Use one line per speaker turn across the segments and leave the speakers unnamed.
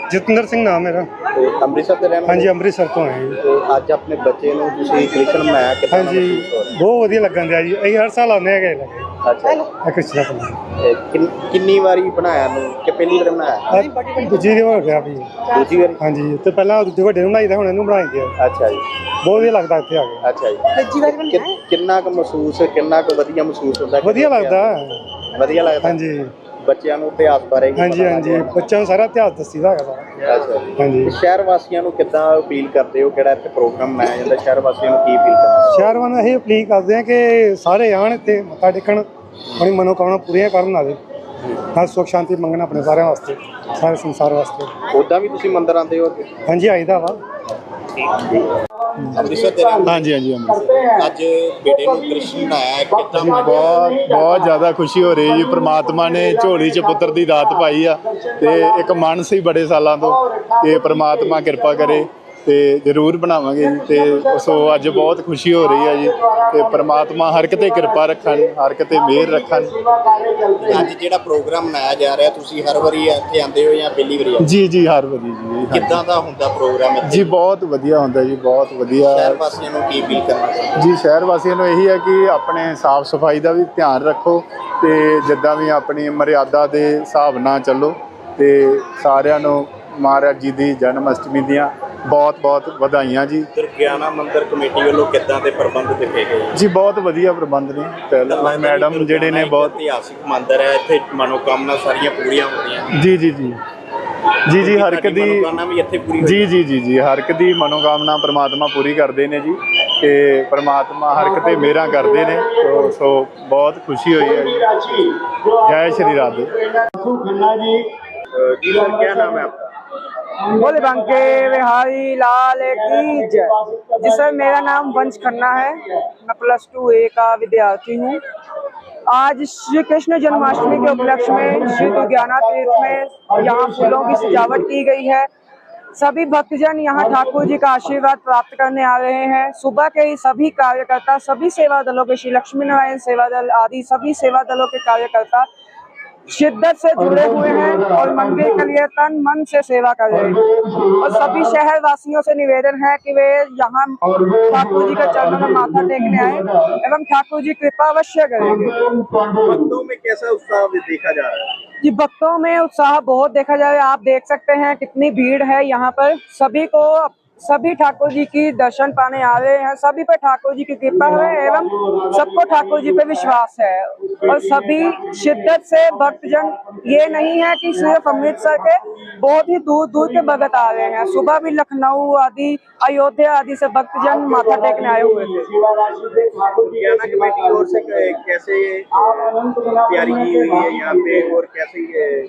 जतिंदर सिंह नाम मेरा।
तो अमृतसर से रहने
हाँ जी, अमृतसर तो है।
तो अज अपने बच्चे ਨੂੰ ਤੁਸੀਂ ਕ੍ਰਿਸ਼ਨ ਬਣਾਇਆ ਕਿੱਦਾਂ
हाँ जी, बहुत वधिया लगन दिया जी। ਅਸੀਂ हर साल आने हैं लगे
ਅੱਛਾ
कृष्णा पंडित।
ਕਿੰਨੀ ਵਾਰੀ ਬਣਾਇਆ ਨੂੰ ਕਿ ਪਹਿਲੀ ਵਾਰ ਬਣਾਇਆ
दूजी दिन हो गया भी।
ਦੂਜੀ ਵਾਰੀ
हाँ जी, तो पहला दूजे ਵੱਡੇ ਨੂੰ ਬਣਾਈ ਦਾ, ਹੁਣ ਇਹਨੂੰ ਬਣਾਈ ਦਿਆ।
ਅੱਛਾ ਜੀ
ਬਹੁਤ ਵਧੀਆ ਲੱਗਦਾ ਇੱਥੇ ਆ ਕੇ।
ਅੱਛਾ ਜੀ ਕਿੰਨਾ ਕੁ ਮਹਿਸੂਸ ਕਿੰਨਾ ਕੁ ਵਧੀਆ ਮਹਿਸੂਸ ਹੁੰਦਾ
ਵਧੀਆ ਲੱਗਦਾ।
ਵਧੀਆ ਲੱਗਦਾ
हाँ जी,
ਬੱਚਿਆਂ ਨੂੰ ਇਤਿਹਾਸ ਬਾਰੇ
हाँ जी, हाँ जी, ਬੱਚਿਆਂ ਨੂੰ ਸਾਰਾ ਇਤਿਹਾਸ ਦੱਸੀਦਾ ਹੈਗਾ ਸਾਰਾ।
ਅੱਛਾ
हाँ जी,
ਸ਼ਹਿਰ ਵਾਸੀਆਂ ਨੂੰ ਕਿੱਦਾਂ ਅਪੀਲ ਕਰਦੇ ਹੋ ਕਿਹੜਾ ਇੱਥੇ ਪ੍ਰੋਗਰਾਮ ਮਨਾਇਆ ਜਾਂਦਾ ਸ਼ਹਿਰ ਵਾਸੀਆਂ ਨੂੰ ਕੀ ਅਪੀਲ ਕਰਨਾ
ਸ਼ਹਿਰ ਵਾਲਿਆਂ ਨੂੰ ਇਹ ਅਪੀਲ ਕਰਦੇ ਆ ਕਿ ਸਾਰੇ ਆਉਣ ਇੱਥੇ ਮੱਥਾ ਟੇਕਣ, ਆਪਣੀ ਮਨੋਕਾਮਨਾ ਪੂਰੀਆਂ ਕਰਨ ਆਵੇ। ਹਰ ਸੁੱਖ ਸ਼ਾਂਤੀ ਮੰਗਣ ਆਪਣੇ ਸਾਰਿਆਂ ਵਾਸਤੇ, ਸਾਰੇ ਸੰਸਾਰ ਵਾਸਤੇ।
ਉੱਦਾਂ ਵੀ ਤੁਸੀਂ ਮੰਦਿਰ ਆਉਂਦੇ ਹੋ
ਹਾਂਜੀ, ਆਈਦਾ ਵਾ।
ਅੰਮ੍ਰਿਤਸਰ ਦੇ
ਹਾਂਜੀ ਹਾਂਜੀ ਅੰਮ੍ਰਿਤਸਰ
ਅੱਜ ਬੇਟੇ ਨੂੰ ਕ੍ਰਿਸ਼ਨ ਬਣਾਇਆ ਕਿੱਦਾਂ
ਬਹੁਤ ਜ਼ਿਆਦਾ ਖੁਸ਼ੀ ਹੋ ਰਹੀ ਜੀ। ਪ੍ਰਮਾਤਮਾ ਨੇ ਝੋਲੀ 'ਚ ਪੁੱਤਰ ਦੀ ਦਾਤ ਪਾਈ ਆ ਤੇ ਇੱਕ ਮਨ ਸੀ ਬੜੇ ਸਾਲਾਂ ਤੋਂ ਕਿ ਪ੍ਰਮਾਤਮਾ ਕਿਰਪਾ ਕਰੇ ਤੇ ਜ਼ਰੂਰ ਬਣਾਵਾਂਗੇ ਜੀ। ਤੇ ਸੋ ਅੱਜ ਬਹੁਤ ਖੁਸ਼ੀ ਹੋ ਰਹੀ ਹੈ ਜੀ ਤੇ ਪ੍ਰਮਾਤਮਾ ਹਰ ਕਿਤੇ ਕਿਰਪਾ ਰੱਖਣ, ਹਰ ਕਿਤੇ ਮਿਹਰ ਰੱਖਣ।
ਅੱਜ ਜਿਹੜਾ ਪ੍ਰੋਗਰਾਮ ਮਨਾਇਆ ਜਾ ਰਿਹਾ ਤੁਸੀਂ ਹਰ ਵਾਰੀ ਇੱਥੇ ਆਉਂਦੇ ਹੋ ਜਾਂ ਪਹਿਲੀ ਵਾਰੀ
ਜੀ ਜੀ ਹਰ ਵਾਰੀ ਜੀ।
ਕਿੱਦਾਂ ਦਾ ਹੁੰਦਾ ਪ੍ਰੋਗਰਾਮ
ਜੀ ਬਹੁਤ ਵਧੀਆ ਹੁੰਦਾ ਜੀ, ਬਹੁਤ ਵਧੀਆ।
ਸ਼ਹਿਰ ਵਾਸੀਆਂ ਨੂੰ ਕੀ ਅਪੀਲ ਕਰਨਾ
ਜੀ ਸ਼ਹਿਰ ਵਾਸੀਆਂ ਨੂੰ ਇਹੀ ਹੈ ਕਿ ਆਪਣੇ ਸਾਫ ਸਫਾਈ ਦਾ ਵੀ ਧਿਆਨ ਰੱਖੋ ਤੇ ਜਿੱਦਾਂ ਵੀ ਆਪਣੀ ਮਰਿਆਦਾ ਦੇ ਹਿਸਾਬ ਨਾਲ ਚੱਲੋ। ਤੇ ਸਾਰਿਆਂ ਨੂੰ ਮਹਾਰਾਜ ਜੀ ਦੀ ਜਨਮ ਅਸ਼ਟਮੀ ਦੀਆਂ ਬਹੁਤ ਬਹੁਤ ਵਧਾਈਆਂ ਜੀ।
ਦੁਰਗਿਆਨਾ ਮੰਦਿਰ ਕਮੇਟੀ ਵੱਲੋਂ ਕਿੱਦਾਂ ਦੇ ਪ੍ਰਬੰਧ ਦਿੱਤੇ ਗਏ
ਜੀ? ਬਹੁਤ ਵਧੀਆ ਪ੍ਰਬੰਧ ਨੇ। ਪਹਿਲਾਂ ਮੈਡਮ ਜਿਹੜੇ ਨੇ ਬਹੁਤ
ਇਤਿਹਾਸਿਕ ਮੰਦਿਰ ਹੈ, ਇੱਥੇ ਮਨੋਕਾਮਨਾ ਸਾਰੀਆਂ ਪੂਰੀਆਂ ਹੁੰਦੀਆਂ।
ਜੀ ਜੀ ਜੀ ਜੀ ਜੀ ਹਰ ਇੱਕ ਦੀ
ਮਨੋਕਾਮਨਾ ਵੀ ਇੱਥੇ ਪੂਰੀ
ਜੀ ਜੀ ਜੀ ਜੀ ਹਰ ਇੱਕ ਦੀ ਮਨੋਕਾਮਨਾ ਪ੍ਰਮਾਤਮਾ ਪੂਰੀ ਕਰਦੇ ਨੇ ਜੀ ਤੇ ਪ੍ਰਮਾਤਮਾ ਹਰ ਇੱਕ ਤੇ ਮਿਹਰਾਂ ਕਰਦੇ ਨੇ। ਸੋ ਬਹੁਤ ਖੁਸ਼ੀ ਹੋਈ ਹੈ ਜੀ। ਜੈ ਸ਼੍ਰੀ ਰਾਧੇ।
जी सर क्या नाम है आपका?
बोले बंके बिहारी लाल की जय। जी सर, मेरा नाम वंश खन्ना है। मैं +2 A का विद्यार्थी हूँ। आज श्री कृष्ण जन्माष्टमी के उपलक्ष्य में श्री दुर्गाना तीर्थ में यहाँ फूलों की सजावट की गई है। सभी भक्तजन यहाँ ठाकुर जी का आशीर्वाद प्राप्त करने आ रहे हैं। सुबह के ही सभी कार्यकर्ता, सभी सेवा दलों के, श्री लक्ष्मी नारायण सेवा दल आदि सभी सेवा दलों के कार्यकर्ता शिद्दत से जुड़े हुए हैं और मंदिर के लिए तन मन से सेवा कर रहे हैं। और सभी शहर वासियों से निवेदन है कि वे यहाँ ठाकुर जी के चरणों में माथा टेकने आए एवं ठाकुर जी कृपा अवश्य करेंगे।
भक्तों में कैसा उत्साह देखा जा रहा है?
जी, भक्तों में उत्साह बहुत देखा जा रहा है। आप देख सकते हैं कितनी भीड़ है यहाँ पर। सभी ठाकुर जी की दर्शन पाने आ रहे हैं। सभी पर ठाकुर जी की कृपा है एवं सबको ठाकुर जी पे विश्वास है। और सभी शिद्दत से भक्तजन, ये नहीं है कि सिर्फ अमृतसर के, बहुत ही दूर दूर के भगत आ रहे हैं। सुबह भी लखनऊ आदि, अयोध्या आदि से भक्तजन माथा टेकने आए हुए थे।
दुर्गाना कमेटी की ओर से कैसे तैयारी की हुई है यहाँ पे और कैसे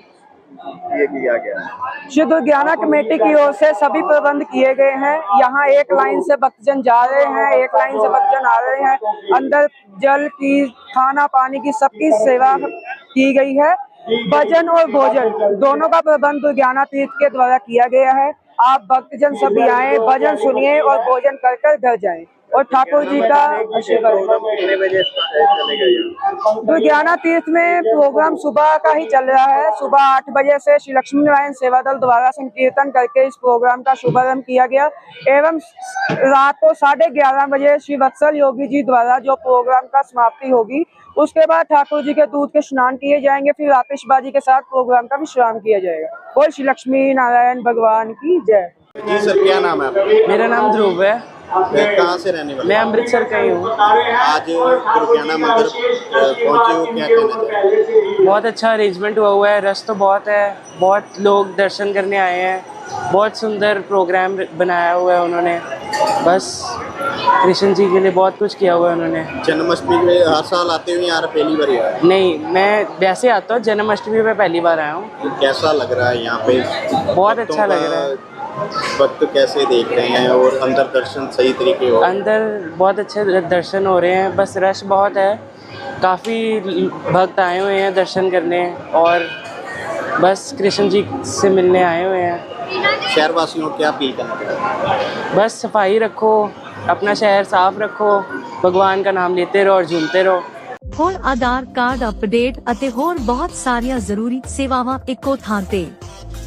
ये किया गया?
श्री दुर्गाना कमेटी की ओर से सभी प्रबंध किए गए हैं। यहाँ एक लाइन से भक्तजन जा रहे हैं, एक लाइन से भक्तजन आ रहे हैं। अंदर जल की, खाना पानी की सबकी सेवा की गई है। भजन और भोजन दोनों का प्रबंध दुर्गाना तीर्थ के द्वारा किया गया है। आप भक्तजन सभी आए, भजन सुनिए और भोजन कर कर घर जाएं और ठाकुर जी का आशीर्वाद।
कितने बजे चलेगा?
दुर्गाना तीर्थ में प्रोग्राम सुबह का ही चल रहा है। सुबह 8 बजे से श्री लक्ष्मी नारायण सेवा दल द्वारा संकीर्तन करके इस प्रोग्राम का शुभारंभ किया गया एवं रात को 11:30 बजे श्री वत्सल योगी जी द्वारा जो प्रोग्राम का समाप्ति होगी, उसके बाद ठाकुर जी के दूध के स्नान किए जाएंगे। फिर आतिशबाजी के साथ प्रोग्राम का विश्राम किया जाएगा। बोल श्री लक्ष्मी नारायण भगवान की जय।
जी सर, क्या नाम है आपका?
मेरा नाम ध्रुव है।
कहाँ से रहने वाले?
मैं अमृतसर का ही हूँ।
आज दुर्गाना मंदिर पहुँचे हो, क्या कहना चाहिए?
बहुत अच्छा अरेंजमेंट हुआ है। रश तो बहुत है, बहुत लोग दर्शन करने आए हैं। बहुत सुंदर प्रोग्राम बनाया हुआ है उन्होंने। बस कृष्ण जी के लिए बहुत कुछ किया हुआ है उन्होंने।
जन्माष्टमी में हर साल आते हुए यहाँ पहली बार आया?
नहीं, मैं वैसे आता हूँ, जन्माष्टमी में पहली बार आया हूँ।
तो कैसा लग रहा है यहाँ पे?
बहुत अच्छा लग रहा है।
भक्त कैसे देख रहे हैं और अंदर दर्शन सही तरीके हो?
अंदर बहुत अच्छे दर्शन हो रहे हैं। बस रश बहुत है, काफ़ी भक्त आए हुए हैं दर्शन करने और बस कृष्ण जी से मिलने आए हुए हैं।
शहर वासियों को क्या अपील करना चाहिए?
बस सफाई रखो, अपना शहर साफ रखो, भगवान का नाम लेते रहो और झूमते रहो।
ਹੋਰ ਆਧਾਰ ਕਾਰਡ ਅਪਡੇਟ ਅਤੇ ਹੋਰ ਬਹੁਤ ਸਾਰੀਆਂ ਜ਼ਰੂਰੀ ਸੇਵਾਵਾਂ ਇੱਕੋ ਥਾਂ ਤੇ।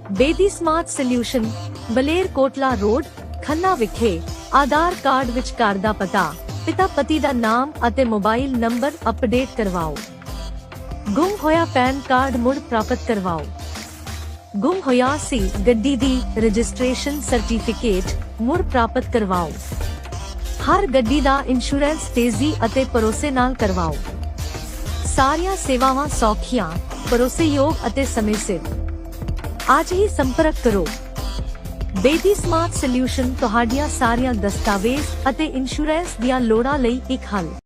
ਬੇਦੀ ਸਮਾਰਟ ਸੋਲਿਊਸ਼ਨ, ਬਲੇਰ ਕੋਟਲਾ ਰੋਡ, ਖੰਨਾ ਵਿਖੇ। ਆਧਾਰ ਕਾਰਡ ਵਿੱਚ ਘਰ ਦਾ ਪਤਾ, ਪਿਤਾ ਪਤੀ ਦਾ ਨਾਮ ਅਤੇ ਮੋਬਾਈਲ ਨੰਬਰ ਅਪਡੇਟ ਕਰਵਾਓ। ਗੁੰਮ ਹੋਇਆ ਪੈਨ ਕਾਰਡ ਮੁੜ ਪ੍ਰਾਪਤ ਕਰਵਾਓ। ਗੁੰਮ ਹੋਇਆ ਸੀ ਗੱਡੀ ਦੀ ਰਜਿਸਟ੍ਰੇਸ਼ਨ ਸਰਟੀਫਿਕੇਟ ਮੁੜ ਪ੍ਰਾਪਤ ਕਰਵਾਓ। ਹਰ ਗੱਡੀ ਦਾ ਇੰਸ਼ੋਰੈਂਸ ਤੇਜ਼ੀ ਅਤੇ ਭਰੋਸੇ ਨਾਲ ਕਰਵਾਓ। ਸਾਰੀਆਂ ਸੇਵਾਵਾਂ ਸੌਖੀਆਂ, ਭਰੋਸੇਯੋਗ ਅਤੇ ਸਮੇਂ ਸਿਰ। ਅੱਜ ਹੀ ਸੰਪਰਕ ਕਰੋ। ਬੇਦੀ ਸਮਾਰਟ ਸੋਲਿਊਸ਼ਨ ਤੁਹਾਡੀਆਂ ਸਾਰੀਆਂ ਦਸਤਾਵੇਜ਼ ਅਤੇ ਇੰਸ਼ੋਰੈਂਸ ਦੀਆਂ ਲੋੜਾਂ ਲਈ ਇੱਕ ਹੱਲ।